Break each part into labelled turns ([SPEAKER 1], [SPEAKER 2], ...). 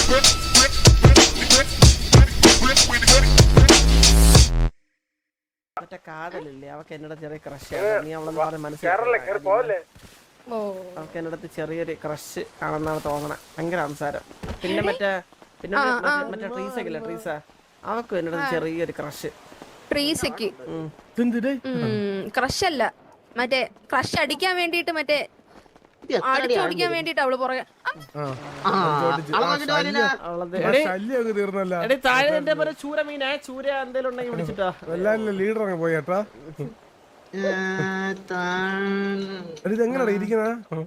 [SPEAKER 1] മറ്റേ കാതലില്ലേ അവക്ക് എന്നോട് ചെറിയ ക്രഷ് നീ അവളെന്ന് പറഞ്ഞ മനസ്സിലായി അവക്ക് എന്നോടത്ത് ചെറിയൊരു ക്രഷ് ആണെന്നാണ് തോന്നണേ. ഭയങ്കര സംസാരം. പിന്നെ മറ്റേ ട്രീസക്കില്ലേ ട്രീസ അവക്കും എന്നോട് ചെറിയൊരു ക്രഷ്.
[SPEAKER 2] ട്രീസക്ക് ക്രഷ് അല്ല, മറ്റേ ക്രഷ് അടിക്കാൻ വേണ്ടിട്ട് മറ്റേ അടിച്ചോടിക്കാൻ വേണ്ടിട്ട് അവള് പുറകെ
[SPEAKER 1] താഴെ എന്റെ പോലെ ചൂര മീനാ ചൂര എന്തേലും ഉണ്ടെങ്കിൽ വിളിച്ചിട്ടാ
[SPEAKER 3] ലീഡർ അങ്ങ് പോയേട്ടാ. ഇതെങ്ങനെയാ ഇരിക്കുന്ന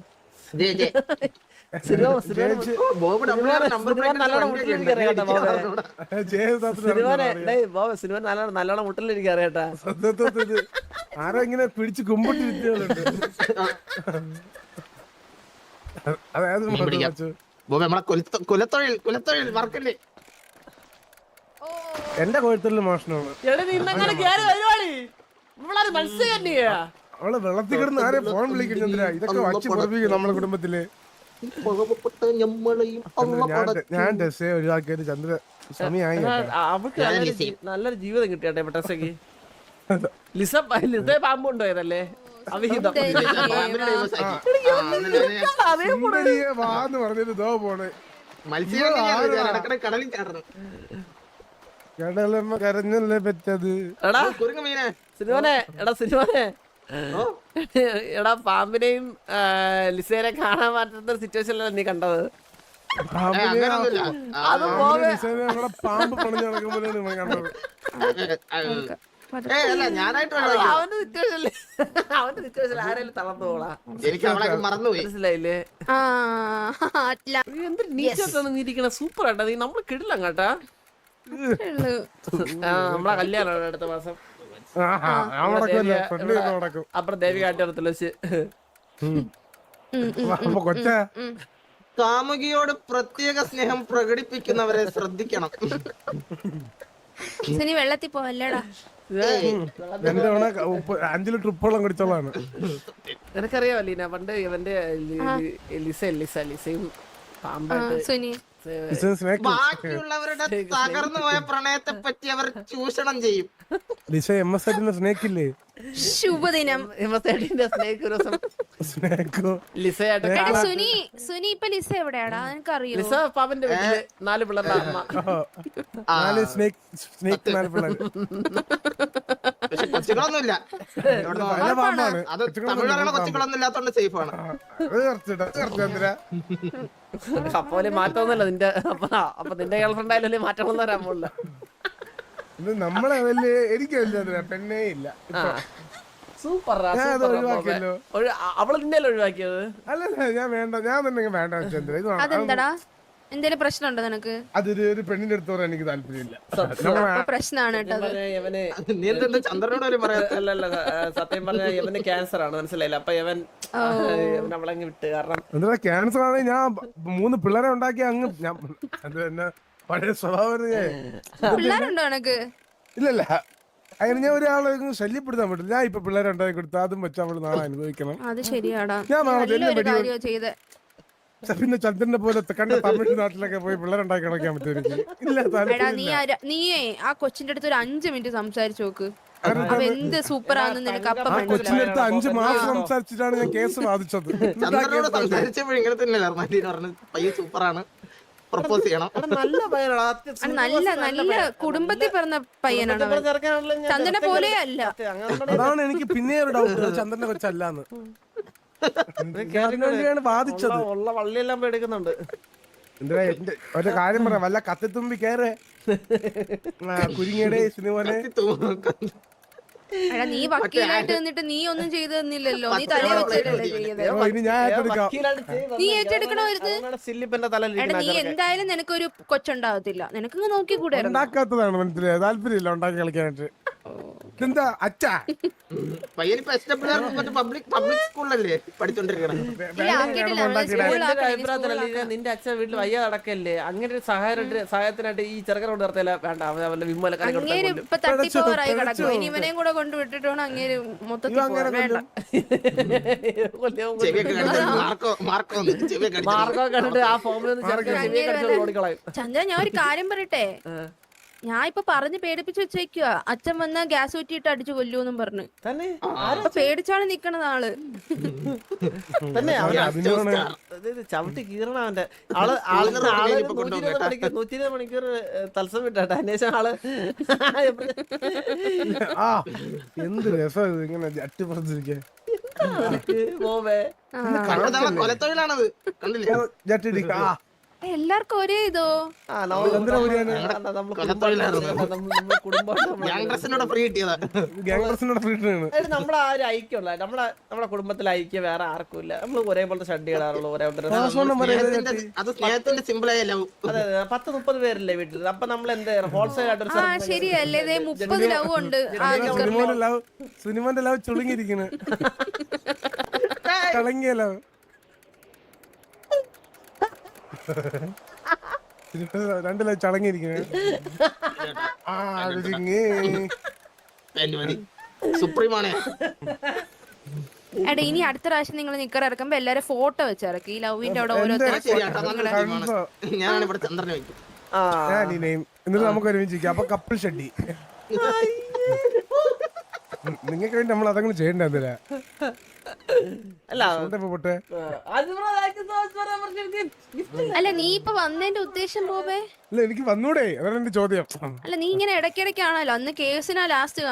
[SPEAKER 1] നല്ലോണം മുട്ടലിരിക്കും അറിയാട്ടാ.
[SPEAKER 3] ആരോ ഇങ്ങനെ പിടിച്ച് കുമ്പിട്ടിരിക്കുന്നുണ്ട്. എന്റെ കൊഴുത്തൊഴിൽ മോഷണമാണ്. അവള് വെള്ളത്തിൽ കിടന്ന് ആരെ ഫോൺ വിളിക്കുന്നില്ല. ഇതൊക്കെ വച്ച് പുറപ്പിക്കും നമ്മുടെ കുടുംബത്തില്. ഞാൻ ഡ്രസ്സേ ഒഴിവാക്കിയത് ചന്ദ്ര സമയമായി.
[SPEAKER 1] അവൾക്ക് നല്ലൊരു ജീവിതം കിട്ടിയാട്ടെ ടെസ്സക്ക്. ലിസ പാമ്പുണ്ടോ ഏതല്ലേ അവിഹിതം
[SPEAKER 3] വാന്ന് പറഞ്ഞിട്ട് ദോ പോണ് കടലമ്മ കരഞ്ഞല്ലേ പറ്റത്.
[SPEAKER 1] എടാ പാമ്പിനെയും ലിസേനെ കാണാൻ പറ്റുന്ന സിറ്റുവേഷനിലല്ല നീ കണ്ടത്.
[SPEAKER 3] പാമ്പ് പണിഞ്ഞു നടക്കുമ്പോഴാണ് കണ്ടത്.
[SPEAKER 1] അവന്റെ സിറ്റുവേഷൻ ആരെങ്കിലും തളർന്നു പോളാ. മനസ്സിലായില്ലേ? എന്തൊരു നീറ്റാണ് നീ ഇരിക്കണ. സൂപ്പർ ആട്ടാ നീ. നമ്മള് കിടില്ല കേട്ടാ. നമ്മളെ കല്യാണമാണ് അടുത്ത മാസം. അപ്പുറം ദേവി കാട്ടിടത്തില്ല വെച്ച്.
[SPEAKER 4] കാമുകിയോട് പ്രത്യേക സ്നേഹം പ്രകടിപ്പിക്കുന്നവരെ ശ്രദ്ധിക്കണം.
[SPEAKER 2] വെള്ളത്തിൽ പോവല്ലേടാ.
[SPEAKER 3] 5 ലിറ്റർ ഉപ്പുവെള്ളം കുടിച്ചോളാണ്.
[SPEAKER 1] നിനക്കറിയാവോ ലീന പണ്ട് ഇവന്റെ ലിസയും പാമ്പായിട്ട്
[SPEAKER 4] ബാക്കിയുള്ളവരുടെ തകർന്നു പോയ പ്രണയത്തെ പറ്റി അവർ ചൂഷണം ചെയ്യും.
[SPEAKER 3] ലിസ സ്നേക്കില്ലേ?
[SPEAKER 2] ശുഭദിനം. സുനി ഇപ്പൊ ലിസ എവിടെയാടാ എനിക്കറിയോ?
[SPEAKER 1] ലിസ പാപ്പന്റെ വീട്ടില് 4 പിള്ളേരുടെ അമ്മ.
[SPEAKER 3] 4 പിള്ളേർ.
[SPEAKER 4] കൊച്ചുകളൊന്നുമില്ല. അത് തമിഴ്നാട്ടിലെ കൊച്ചുകളൊന്നും ഇല്ലാത്തോണ്ട് സേഫ് ആണ്.
[SPEAKER 1] അപ്പോലെ മാറ്റമൊന്നുമല്ല നിന്റെ. അപ്പൊ നിന്റെ ഗേൾഫ്രണ്ട് ആയാലും മാറ്റമൊന്നും വരാൻ പോലില്ല.
[SPEAKER 3] നമ്മളെ വലിയ എനിക്ക് പെണ്ണേ ഇല്ല.
[SPEAKER 1] സൂപ്പർ. അവള് നിന്നെ ഒഴിവാക്കിയത്?
[SPEAKER 3] അല്ലല്ല ഞാൻ വേണ്ട. ഞാൻ തന്നെ വേണ്ട ചന്ദ്ര.
[SPEAKER 2] അതെന്താടാ? എന്തേലും പ്രശ്നമുണ്ടോ നിനക്ക്?
[SPEAKER 3] അതൊരു പെണ്ണിന്റെ അടുത്തോടെ എനിക്ക് താല്പര്യമില്ല.
[SPEAKER 2] പ്രശ്നമാണ്
[SPEAKER 1] സത്യം പറഞ്ഞ ഇവന് ക്യാൻസർ ആണ്. മനസ്സിലായില്ല. അപ്പൊ ഇവൻ നമ്മളങ്ങ് വിട്ട്. കാരണം
[SPEAKER 3] എന്താ ക്യാൻസർ ആണെങ്കിൽ ഞാൻ 3 പിള്ളേരെ ഉണ്ടാക്കി അങ്ങ് ഞാൻ പഴയ സ്വഭാവം.
[SPEAKER 2] പിള്ളേരുണ്ടോ നിനക്ക്?
[SPEAKER 3] ഇല്ലല്ല അങ്ങനെ ഞാൻ ഒരാളെ ശല്യപ്പെടുത്താൻ പറ്റില്ല. ഞാൻ ഇപ്പൊ പിള്ളേരെ ഉണ്ടാക്കി കൊടുത്തു. അതും വെച്ച് അവള് നാളെ അനുഭവിക്കണം.
[SPEAKER 2] അത് ശരിയാടാ.
[SPEAKER 3] ഞാൻ പിന്നെ ചന്ദ്രനെ പോലെ കണ്ട തമിഴ് നാട്ടിലൊക്കെ പോയി പിള്ളേരുണ്ടാക്കി കളിക്കാൻ പറ്റും.
[SPEAKER 2] നീയേ ആ കൊച്ചിന്റെ അടുത്ത് ഒരു 5 മിനിറ്റ് സംസാരിച്ചു നോക്ക്. എന്ത് സൂപ്പറാന്ന് നിനക്ക് അപ്പൊ
[SPEAKER 3] കൊച്ചിന്റെ അടുത്ത് 5 മാസം സംസാരിച്ചിട്ടാണ് ഞാൻ കേസ് വാദിച്ചത്.
[SPEAKER 4] സൂപ്പറാണ്. പ്രപ്പോസ് ചെയ്യണം.
[SPEAKER 2] നല്ല കുടുംബത്തിൽ പിറന്ന പയ്യനാണ്. ചന്ദ്രനെ പോലെ അല്ല.
[SPEAKER 3] അതാണ് എനിക്ക് പിന്നെ ഒരു ഡൗട്ട്. ചന്ദ്രനെ കൊച്ചല്ലാന്ന് വാദിച്ചത്.
[SPEAKER 1] ഉള്ള വള്ളിയെല്ലാം എടുക്കുന്നുണ്ട്.
[SPEAKER 3] എന്താ ഒരു കാര്യം പറയാം. വല്ല കത്തിത്തുമ്പി കേറേ കുരിങ്ങയുടെ സിനിമനെ.
[SPEAKER 2] നീ വക്കീലായിട്ട് നിന്നിട്ട് നീ ഒന്നും ചെയ്തു തന്നില്ലല്ലോ. നീ തല വെച്ചിട്ടല്ലേ ചെയ്തത്. നീ ഏറ്റെടുക്കണമായിരുന്നു. നീ എന്തായാലും നിനക്കൊരു കൊച്ചുണ്ടാകത്തില്ല. നിനക്ക് നോക്കി കൂടെ
[SPEAKER 3] ഉണ്ടാക്കാത്തതാണ്. മനസ്സിലായി. താല്പര്യമില്ല ഉണ്ടാക്കി കളിക്കാനായിട്ട്. ഇതെന്താ അച്ഛാ
[SPEAKER 4] പയ്യനിപ്പോ SWR മറ്റേ പബ്ലിക് സ്കൂളിലല്ലേ പഠിച്ചോണ്ടിരിക്കണം.
[SPEAKER 1] എന്റെ അഭിപ്രായത്തിലല്ല നിന്റെ അച്ഛൻ വീട്ടിൽ വയ്യ നടക്കല്ലേ അങ്ങനെ ഒരു സഹായത്തിനായിട്ട് ഈ ചെറുക്കനോട് നിർത്തില്ല വേണ്ട അവന്റെ വിമ്മല
[SPEAKER 2] അങ്ങേര് ഇപ്പൊ തട്ടിപ്പോറായി കിടക്കും. ഇനി ഇവനെയും കൂടെ കൊണ്ട് വിട്ടിട്ട് വേണം അങ്ങേര് മൊത്തത്തിൽ പോവാൻ. വേണ്ട.
[SPEAKER 4] ചെവിയൊക്കെ കടിച്ചു
[SPEAKER 1] മാർഗം കണ്ടിട്ട് ആ ഫോമിൽ നിന്ന് ചെറുക്കൻ ഓടിക്കളയും.
[SPEAKER 2] ചന്ദ്ര ഞാൻ ഒരു കാര്യം പറയട്ടെ, ഞാൻ ഇപ്പൊ പറഞ്ഞ് പേടിപ്പിച്ച് വെച്ചേക്കുക. അച്ഛൻ വന്ന് ഗ്യാസ് ഊറ്റിയിട്ട് അടിച്ചു കൊല്ലൂന്നും പറഞ്ഞു.
[SPEAKER 1] തന്നെ
[SPEAKER 2] അപ്പൊ പേടിച്ചാണ് നിക്കണത് ആള്.
[SPEAKER 1] തന്നെ ചവിട്ടി കീറണ അവന്റെ ആള് 120 മണിക്കൂർ തത്സം വിട്ടാട്ടെ അന്വേഷണം ആള്.
[SPEAKER 3] എന്ത് രസം ഇങ്ങനെ ജട്ടി പറഞ്ഞിരിക്കാൻ.
[SPEAKER 1] പോവേ
[SPEAKER 4] കൊലത്തൊഴിലാണത് കണ്ടില്ലേ?
[SPEAKER 3] ജട്ടി
[SPEAKER 2] എല്ലാവർക്കും ഒരേ ഇതോ
[SPEAKER 4] ഫ്രീ കിട്ടിയതാ.
[SPEAKER 1] നമ്മളെ ആ ഒരു ഐക്യമുള്ള നമ്മളെ കുടുംബത്തിലെ ഐക്യം വേറെ ആർക്കും ഇല്ല. നമ്മൾ ഒരേപോലത്തെ ഷഡ് ഇടാറുള്ളൂ, ഒരേ
[SPEAKER 4] അത് സ്നേഹത്തിന്റെ സിമ്പിളായ ലവ്.
[SPEAKER 1] അതെ 10-30 പേരല്ലേ വീട്ടിൽ. അപ്പൊ നമ്മൾ എന്ത് ഹോൾസെയിൽ ആയിട്ട്
[SPEAKER 2] ശരിയല്ലേ? 30 ലവ് ഉണ്ട്.
[SPEAKER 3] സിനിമന്റെ ലവ് ചുളുങ്ങിയിരിക്കണ്. കളങ്ങിയ ലവ്. രണ്ടില ചടങ്ങിയിരിക്കണേ.
[SPEAKER 4] സുപ്രീമാണേ.
[SPEAKER 2] എടാ ഇനി അടുത്ത പ്രാവശ്യം നിങ്ങൾ നിക്കർ ഇറക്കുമ്പോ എല്ലാരും ഫോട്ടോ വെച്ചിറക്കി ഈ ലവിന്റെ അവിടെ
[SPEAKER 4] ഞാനാണ് ഇവിടെ ചന്ദ്രനെ വയ്ക്കും.
[SPEAKER 3] എന്നിട്ട് നമുക്ക് ഒരുമിച്ചിരിക്കാം. അപ്പൊ കപ്പിൾ ഷഡ്ഡി. നിങ്ങൾക്ക് വേണ്ടി നമ്മൾ അതങ്ങനെ ചെയ്യണ്ട. എന്തിനാ പൊട്ടെ?
[SPEAKER 2] അല്ല നീ ഇപ്പൊ വന്നതിന്റെ ഉദ്ദേശം പോവേ?
[SPEAKER 3] അല്ല എനിക്ക് വന്നൂടെ, അതാണ് എന്റെ ചോദ്യം.
[SPEAKER 2] അല്ല നീ ഇങ്ങനെ ഇടയ്ക്കിടയ്ക്കാണല്ലോ. അന്ന് കേസിനാ ലാസ്റ്റ്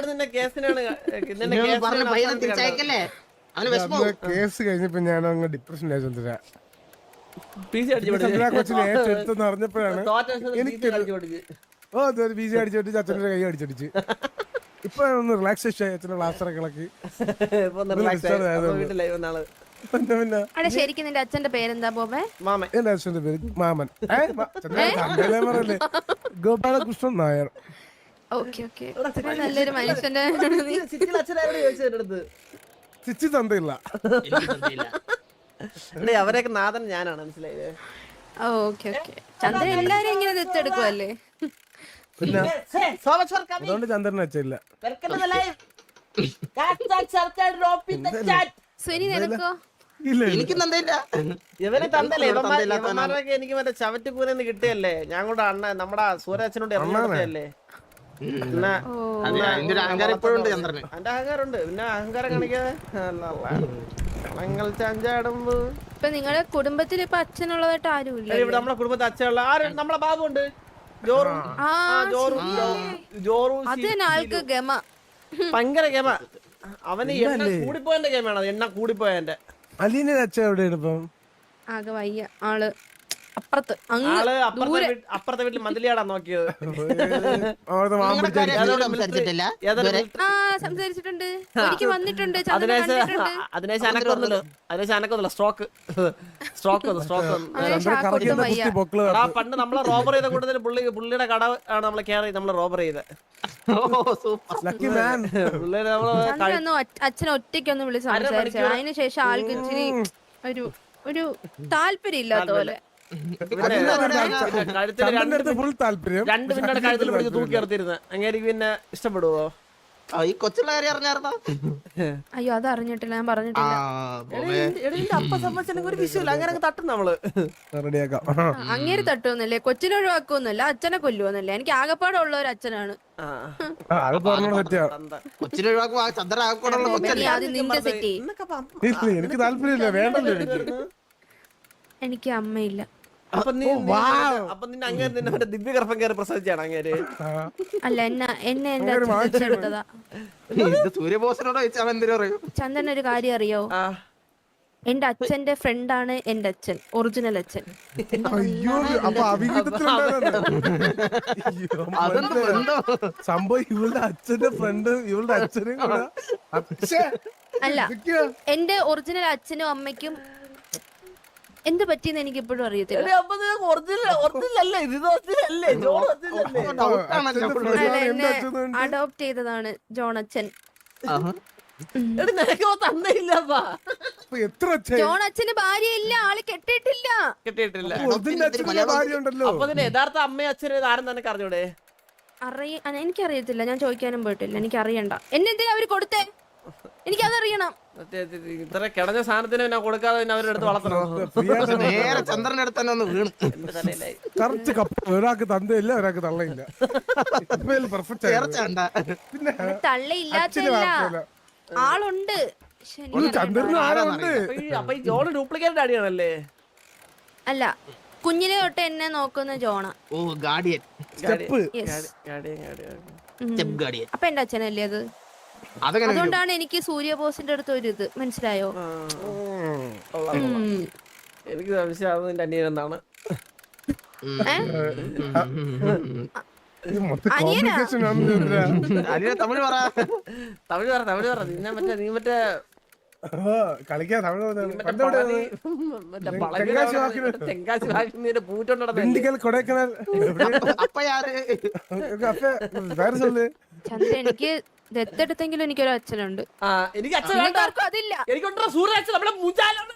[SPEAKER 3] കേസ് കഴിഞ്ഞപ്പോ ഞാൻ അങ്ങ് ഡിപ്രഷനിലായി. ചന്ദ്ര കൊച്ചിനെ ഏറ്റെടുത്തെന്ന് അറിഞ്ഞപ്പോഴാണ് ബീജ അടിച്ചോട്ട് അച്ഛൻ്റെ കൈ അടിച്ചടിച്ച്. ഇപ്പൊ ഒന്ന് റിലാക്സേഷൻ അച്ഛനെ ലാസ്റ്ററൊക്കെ ഇളക്കി.
[SPEAKER 2] ശരിക്കും നിന്റെ അച്ഛന്റെ പേരെന്താ ബോബേ?
[SPEAKER 3] എന്റെ അച്ഛന്റെ പേര് മാമൻ. പറയല്ലേ, ഗോപാലകൃഷ്ണൻ നായർ.
[SPEAKER 2] നല്ലൊരു മനുഷ്യന്റെ
[SPEAKER 3] ചിച്ചി തന്തയില്ല.
[SPEAKER 1] അവരെയൊക്കെ നാഥൻ ഞാനാണ്, മനസ്സിലായത്?
[SPEAKER 2] ചന്ദ്രൻ എല്ലാരും ഇങ്ങനെ ദത്തെടുക്കുവല്ലേ?
[SPEAKER 3] പിന്നെ അതുകൊണ്ട് ചന്ദ്രനെ വെച്ചില്ല.
[SPEAKER 4] എനിക്ക് തന്നില്ല.
[SPEAKER 1] ഇവനെ തന്നല്ലേ ഇവന്മാരൊക്കെ എനിക്ക് മറ്റേ ചവറ്റുകൂരെന്ന് കിട്ടിയല്ലേ. ഞാൻ കൂടെ അണ്ണ നമ്മുടെ സൂര്യാച്ചനോട് ഇറങ്ങിയല്ലേ.
[SPEAKER 4] എന്റെ അഹങ്കാരം ഇപ്പോഴുണ്ട് ചന്ദ്രന്.
[SPEAKER 1] എന്റെ അഹങ്കാരമുണ്ട്. പിന്നെ അഹങ്കാരം കാണിക്കാതെ ചഞ്ചാടുമ്പോ
[SPEAKER 2] ഇപ്പൊ നിങ്ങളുടെ കുടുംബത്തിൽ ഇപ്പൊ അച്ഛനുള്ളതായിട്ട് ആരുമില്ല.
[SPEAKER 1] ഇവിടെ നമ്മളെ കുടുംബത്തിൽ അച്ഛനുള്ള ആരും നമ്മളെ ബാബു ഉണ്ട്.
[SPEAKER 2] ആൾക്ക് ഗമ,
[SPEAKER 1] ഭയങ്കര ഗമ. അവന് എണ്ണ കൂടിപ്പോയന്റെ ഗമയാണ്. എണ്ണ കൂടിപ്പോയന്റെ.
[SPEAKER 3] അലീനെ അച്ഛൻ എവിടെയാണ് ഇപ്പം?
[SPEAKER 2] ആകെ വയ്യ ആള്. അപ്പുറത്തെ
[SPEAKER 1] വീട്ടിൽ മന്തിലിയാടാ നോക്കിയത്.
[SPEAKER 2] സംസാരിച്ചിട്ടുണ്ട്, ഒരിക്കൽ വന്നിട്ടുണ്ട്.
[SPEAKER 1] അതിനേശാനക്കൊന്നുമില്ല. സ്ട്രോക്ക് പണ്ട് നമ്മളെ റോബർ ചെയ്ത കൂട്ടത്തിൽ പുള്ളിയുടെ കട ആണ് നമ്മളെ കെയർ ചെയ്ത് നമ്മള് റോബർ ചെയ്ത്.
[SPEAKER 2] അച്ഛനെ ഒറ്റയ്ക്കൊന്ന് വിളിച്ച് സംസാരിച്ചു. അതിനുശേഷം ആൾക്ക് ഇച്ചിരി ഒരു താല്പര്യം ഇല്ലാത്ത പോലെ.
[SPEAKER 1] 2 മിനിറ്റ് കഴുത്തിൽ പിടിച്ച് തൂക്കി നിർത്തിയിരുന്ന അങ്ങനെ പിന്നെ ഇഷ്ടപ്പെടുവോ?
[SPEAKER 4] ഈ കൊച്ചുള്ള കാര്യം അറിഞ്ഞായിരുന്നോ?
[SPEAKER 2] അയ്യോ അത് അറിഞ്ഞിട്ടില്ല, ഞാൻ പറഞ്ഞിട്ടില്ല.
[SPEAKER 1] അപ്പ സംബന്ധിച്ചില്ലെങ്കിൽ ഒരു വിഷയമില്ല. അങ്ങനെ തട്ടും നമ്മള്.
[SPEAKER 2] അങ്ങേര് തട്ടുവന്നല്ലേ, കൊച്ചിനെ ഒഴിവാക്കുവന്നല്ല, അച്ഛനെ കൊല്ലുവന്നല്ലേ. എനിക്ക് ആകെപ്പാടെ ഉള്ള ഒരു അച്ഛനാണ്.
[SPEAKER 4] കൊച്ചിനെ
[SPEAKER 2] നിന്റെ സെറ്റ്.
[SPEAKER 3] എനിക്ക് താല്പര്യമില്ല, വേണ്ടല്ലോ
[SPEAKER 2] എനിക്ക് അമ്മയില്ല.
[SPEAKER 1] അപ്പൊ നിന്നെ അങ്ങനെ നിന്നെ ദിവ്യഗർഭം കയറി പ്രസവിച്ചാണ് അങ്ങേര്?
[SPEAKER 2] അല്ല എന്നെ എന്റെ അച്ഛൻ എടുത്തതാ. ചന്ദൻ ഒരു കാര്യം അറിയോ? എന്റെ അച്ഛന്റെ ഫ്രണ്ടാണ് എന്റെ അച്ഛൻ, ഒറിജിനൽ അച്ഛൻ.
[SPEAKER 3] സംഭവം ഇവളുടെ അച്ഛന്റെ ഫ്രണ്ട് ഇവളുടെ അച്ഛനും
[SPEAKER 2] അല്ല, എന്റെ ഒറിജിനൽ അച്ഛനും അമ്മയ്ക്കും എന്ത് പറ്റിയെന്ന് എനിക്ക് ഇപ്പോഴും അറിയത്തില്ല.
[SPEAKER 1] എടി, അപ്പൊ നിനക്ക് original അല്ലേ ഇത്? original അല്ലേ? ജോൺ original അല്ലേ?
[SPEAKER 2] എന്നെ അഡോപ്റ്റ് ചെയ്തതാണ് ജോൺ അച്ഛൻ.
[SPEAKER 1] എടി, നിനക്ക് തന്നയില്ലപ്പാ.
[SPEAKER 3] അപ്പൊ എത്ര അച്ഛൻ
[SPEAKER 2] ജോൺ അച്ഛന് ഭാര്യയില്ല, ആള് കെട്ടിയിട്ടില്ല.
[SPEAKER 1] കിട്ടിയിട്ടില്ല.
[SPEAKER 3] ഒറിജിനൽ അച്ഛന്റെ ഭാര്യ ഉണ്ടല്ലോ.
[SPEAKER 1] അപ്പൊ നിന്റെ യഥാർത്ഥ അമ്മയും അച്ഛനും ആരും നിനക്ക് അറിഞ്ഞൂടെ?
[SPEAKER 2] എനിക്കറിയത്തില്ല, ഞാൻ ചോദിക്കാനും പോയിട്ടില്ല, എനിക്ക് അറിയണ്ട. എന്നെ എന്തിനാ അവര് കൊടുത്തേ? എനിക്കതറിയണം.
[SPEAKER 1] ഇത്ര കിടഞ്ഞ സാധനത്തിന് പിന്നെ കൊടുക്കാതെ പിന്നെ അവരെടുത്ത് വളർത്തണം.
[SPEAKER 4] നേരെ ചന്ദ്രന്റെ അടുത്ത് തന്നെ ഒന്ന് വീണ്.
[SPEAKER 1] എന്റെ തലയിലായി.
[SPEAKER 3] കറച്ച് കപ്പ് ഒരാൾക്ക് തന്തയില്ല ഒരാൾക്ക് തള്ളയില്ല. പെർഫെക്റ്റ്
[SPEAKER 4] ചേർച്ചണ്ട.
[SPEAKER 3] പിന്നെ
[SPEAKER 2] തള്ളയില്ലാത്തല്ല, ആളുണ്ട്. പക്ഷെ എനിക്ക്
[SPEAKER 3] ചന്ദ്രന് ആരുണ്ട്.
[SPEAKER 1] അപ്പൊ ഈ ജോൺ ഡ്യൂപ്ലിക്കേറ്റ് അടിയാണല്ലേ?
[SPEAKER 2] അല്ല, കുഞ്ഞിലെ തൊട്ട് എന്നെ നോക്കുന്ന ജോണ.
[SPEAKER 4] ഓ ഗാർഡിയൻ.
[SPEAKER 3] Step
[SPEAKER 4] step guardian.
[SPEAKER 2] അപ്പൊ എന്റെ അച്ഛനല്ലേ അത്?
[SPEAKER 4] അതങ്ങനെ
[SPEAKER 2] അതുകൊണ്ടാണ് എനിക്ക് സൂര്യബോസിന്റെ അടുത്ത് ഒരു ഇത് മനസ്സിലായോ?
[SPEAKER 1] എനിക്ക് സംശയം നിന്റെ അനിയനെന്നാണ്.
[SPEAKER 3] കോംപ്ലിക്കേഷൻ ആണ്.
[SPEAKER 4] അനിയനെ തമിഴ് പറ.
[SPEAKER 1] തമിഴ് പറ. നീ മറ്റേ
[SPEAKER 3] കളിക്കാൻ തമിഴ്
[SPEAKER 1] തെങ്കാശി വാക്കിന്റെ പൂറ്റുണ്ടോ?
[SPEAKER 3] ദിണ്ടിക്കൽ കൊടൈക്കനാൽ
[SPEAKER 4] അപ്പ യാര്?
[SPEAKER 3] വേറെ சொல்லு.
[SPEAKER 2] ചന്ദ്ര, എനിക്ക് ദത്തെടുത്തെങ്കിലും എനിക്കൊരു അച്ഛനുണ്ട്.
[SPEAKER 1] എനിക്ക് അച്ഛൻ വേണ്ട.
[SPEAKER 2] ആർക്കും അതില്ല.
[SPEAKER 1] എനിക്കുണ്ടോ സൂര്യ അച്ഛൻ? നമ്മളെ മുജാലാണ്.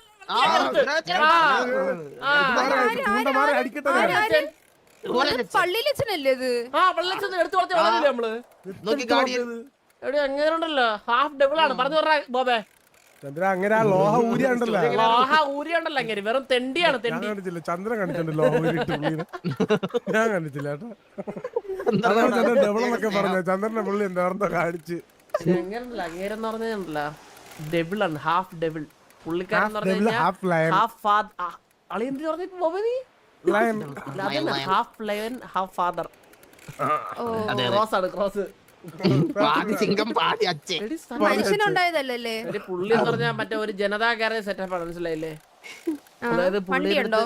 [SPEAKER 3] അടിക്കട്ടെ.
[SPEAKER 2] പള്ളിയിൽ അച്ഛനല്ലേ ഇത്?
[SPEAKER 1] വെള്ളച്ചൊന്ന് എടുത്തു വളർത്തി വളരില്ലേ നമ്മള്?
[SPEAKER 4] നോക്കി ഗാർഡിയൻ.
[SPEAKER 1] എവിടെ എങ്ങനെ ഉണ്ടല്ലോ ഹാഫ് ഡബിൾ ആണ്. പറഞ്ഞു പറഞ്ഞ ബോബേ,
[SPEAKER 3] ചന്ദ്ര അങ്ങനെ ആ ലോഹ ഊരി ഉണ്ടല്ലോ.
[SPEAKER 1] ലോഹ ഊരി ഉണ്ടല്ലോ, അങ്ങനെ വെറും തെണ്ടിയാണ് തെണ്ടി.
[SPEAKER 3] കണ്ടിട്ടില്ല, ചന്ദ്രൻ കണ്ടിട്ടുണ്ട് ലോഹ ഊരിട്ട് പുള്ളിനെ. ഞാൻ കണ്ടിട്ടില്ല കേട്ടോ. അതാണ് ചന്ദ്രൻ ഡബിളെന്നൊക്കെ പറഞ്ഞു. ചന്ദ്രന്റെ പുള്ളി എന്താണെന്നോ കാണിച്ച്.
[SPEAKER 1] എങ്ങനെയല്ല അങ്ങേരെന്ന് പറഞ്ഞല്ലോ ഡബിൾ ആണ്, ഹാഫ് ഡബിൾ. പുള്ളിക്കാരൻ അളിയെന്ത് പറഞ്ഞു ബോബേ? നീ half lion half father. Cross ആണ്, ക്രോസ്.
[SPEAKER 4] പാതി സിംഗം പാതി അച്ഛൻ.
[SPEAKER 2] മനുഷ്യനുണ്ടായതല്ലേ?
[SPEAKER 1] പുള്ളി എന്ന് പറഞ്ഞാൽ മറ്റേ ഒരു ജനതാ ഗാരേജ് സെറ്റപ്പ് ആണ്, മനസ്സിലായില്ലേ? അതായത്
[SPEAKER 2] വണ്ടിയുണ്ടോ?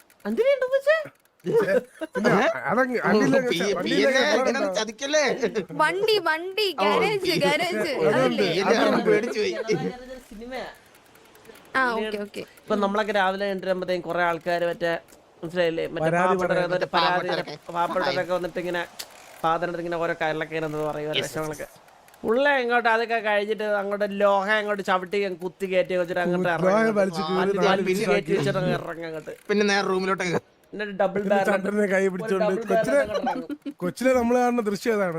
[SPEAKER 4] ചതിക്കല്ലേ?
[SPEAKER 2] വണ്ടി വണ്ടി ഗാരേജ് ഗാരേജ് അതല്ലേ?
[SPEAKER 1] സിനിമയാ.
[SPEAKER 2] ആ ഓക്കെ ഓക്കെ.
[SPEAKER 1] ഇപ്പൊ നമ്മളൊക്കെ രാവിലെ എണ്ടുമ്പോഴത്തേക്കും കുറെ ആൾക്കാർ മറ്റേ മനസ്സിലായില്ലേ, മറ്റേ പാവപ്പെട്ടവരൊക്കെ വന്നിട്ട് ഇങ്ങനെ ഫാദറിന്റെ ഇങ്ങനെ ഓരോ കാര്യങ്ങളൊക്കെ ഇങ്ങനെ പറയും, വിഷമങ്ങളൊക്കെ. ഉള്ള ഇങ്ങോട്ട് അതൊക്കെ കഴിഞ്ഞിട്ട് അങ്ങോട്ട് ലോഹ അങ്ങോട്ട് ചവിട്ടി കുത്തി കയറ്റി വെച്ചിട്ട് അങ്ങോട്ട് ഇറങ്ങങ്ങോട്ട്.
[SPEAKER 4] പിന്നെ നേരെ റൂമിലോട്ട്
[SPEAKER 1] ഡബിൾ
[SPEAKER 3] ചന്ദ്രനെ കൈ പിടിച്ചോണ്ട് കൊച്ചിലെ നമ്മൾ കാണുന്ന ദൃശ്യം അതാണ്.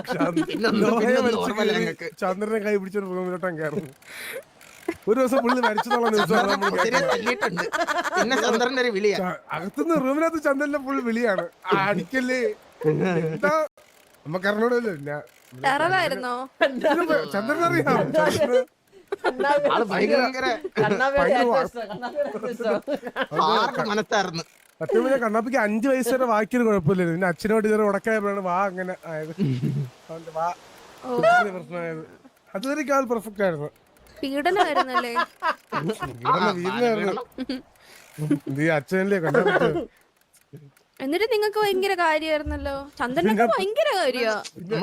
[SPEAKER 3] ചന്ദ്രനെ കൈ പിടിച്ചോണ്ട് റൂമിലോട്ടും കയറുന്നു. ഒരു ദിവസം പുള്ളി മരിച്ചതോളം
[SPEAKER 4] പിന്നെ ചന്ദ്രന്റെ ഒരു വിളിയാ.
[SPEAKER 3] അകത്തുനിന്ന് റൂമിനകത്ത് ചന്ദ്രന്റെ ഫുൾ വിളിയാണ്. അടിക്കല്ലേ നമുക്കറിഞ്ഞൂടല്ലോ.
[SPEAKER 2] ടെററായിരുന്നോ?
[SPEAKER 3] ചന്ദ്രൻ അറിയാം.
[SPEAKER 4] ഭയങ്കര മനസ്സായിരുന്നു.
[SPEAKER 3] സത്യം പറഞ്ഞാൽ കണ്ണാപ്പിക്ക് 5 വയസ്സ് വരെ വാക്കിയൊരു കുഴപ്പമില്ലായിരുന്നു. പിന്നെ അച്ഛനോട് ഇതൊരു ഉടക്കായപ്പോഴാണ് വാ അങ്ങനെ ആയത്. വാ പ്രശ്നമായത്. അതുവരെ ആൾ പെർഫെക്റ്റ് ആയിരുന്നു.
[SPEAKER 2] പീഡനമായിരുന്നല്ലേ?
[SPEAKER 3] വീടിനായിരുന്നു. അച്ഛനല്ലേ കണ്ണാപ്പി.
[SPEAKER 2] എന്നിട്ട് നിങ്ങക്ക് ഭയങ്കര കാര്യമായിരുന്നല്ലോ. ചന്ദ്രനൊക്കെ ഭയങ്കര കാര്യാ.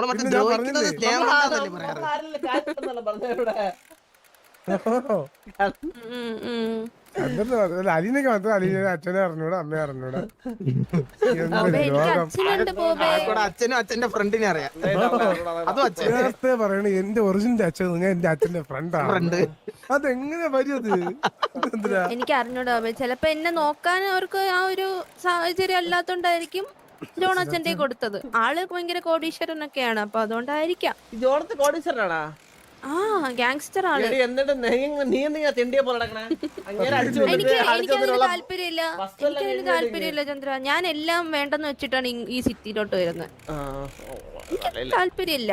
[SPEAKER 3] അലീനൊക്കെ മാത്രം അലീന അച്ഛനെ അറിഞ്ഞൂടാ, അമ്മയെ അറിഞ്ഞൂടാ.
[SPEAKER 4] അച്ഛനും അച്ഛന്റെ ഫ്രണ്ടിനെ അറിയാം.
[SPEAKER 3] നേരത്തെ പറയണ എന്റെ ഒറിജിനൽ അച്ഛൻ ഞാൻ എന്റെ അച്ഛന്റെ ഫ്രണ്ടാണ്. അതെങ്ങനെ വരും?
[SPEAKER 2] എനിക്ക് അറിഞ്ഞൂടാ. ചിലപ്പോ എന്നെ നോക്കാൻ അവർക്ക് ആ ഒരു സാഹചര്യം അല്ലാത്തോണ്ടായിരിക്കും ജോൺ അച്ഛന്റെ കൊടുത്തത്. ആള് ഭയങ്കര കോടീശ്വരനൊക്കെയാണ്, അപ്പൊ അതുകൊണ്ടായിരിക്കാം.
[SPEAKER 1] ജോണത്ത് കോടീശ്വരനാടാ.
[SPEAKER 2] ആ ഗാങ്സ്റ്റർ ആണ്.
[SPEAKER 1] എന്നിട്ട് നീ എന്തിനാ തെണ്ടിയെ പോലെ നടക്കണേ?
[SPEAKER 2] എനിക്കതിന് താല്പര്യമില്ല ചന്ദ്ര. ഞാൻ എല്ലാം വേണ്ടെന്ന് വെച്ചിട്ടാണ് ഈ സിറ്റിയിലോട്ട് വരുന്നത്. താല്പര്യമില്ല.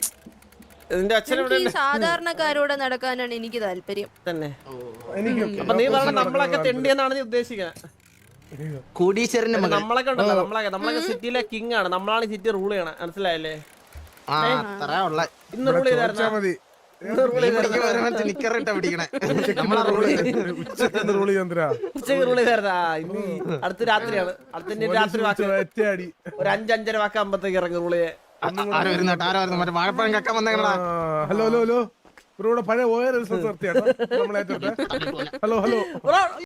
[SPEAKER 2] ഈ സാധാരണക്കാരോടെ നടക്കാനാണ് എനിക്ക് താല്പര്യം
[SPEAKER 1] തന്നെ. അപ്പൊ നീ പറഞ്ഞ നമ്മളൊക്കെ തെണ്ടിയെന്നാണ് നീ ഉദ്ദേശിക്കുന്നത്?
[SPEAKER 4] കോടീശ്വരന്റെ
[SPEAKER 1] നമ്മളൊക്കെ ഉണ്ടല്ലോ, നമ്മളൊക്കെ സിറ്റിയിലെ കിങ് ആണ്. നമ്മളാണ് സിറ്റി റൂൾ ചെയ്യണം, മനസ്സിലായല്ലേ? ഇന്ന് റൂൾ ചെയ്തായിരുന്നാ മതി.
[SPEAKER 3] ഉച്ചക്ക്
[SPEAKER 1] റൂൾ ചെയ്തായിരുന്നാ? ഇനി അടുത്ത രാത്രിയാണ്. അടുത്ത രാത്രി വാക്ക് ഒരു 5-5:30 വാക്കാകുമ്പോഴത്തേക്ക് ഇറങ്ങി റൂൾ ചെയ്യാൻ.
[SPEAKER 3] ഹലോ ഹലോ ഹലോ, ഇവിടെ പഴയ ഓയർ നിർത്തിയാട്ടോ നമ്മളെ. Hello hello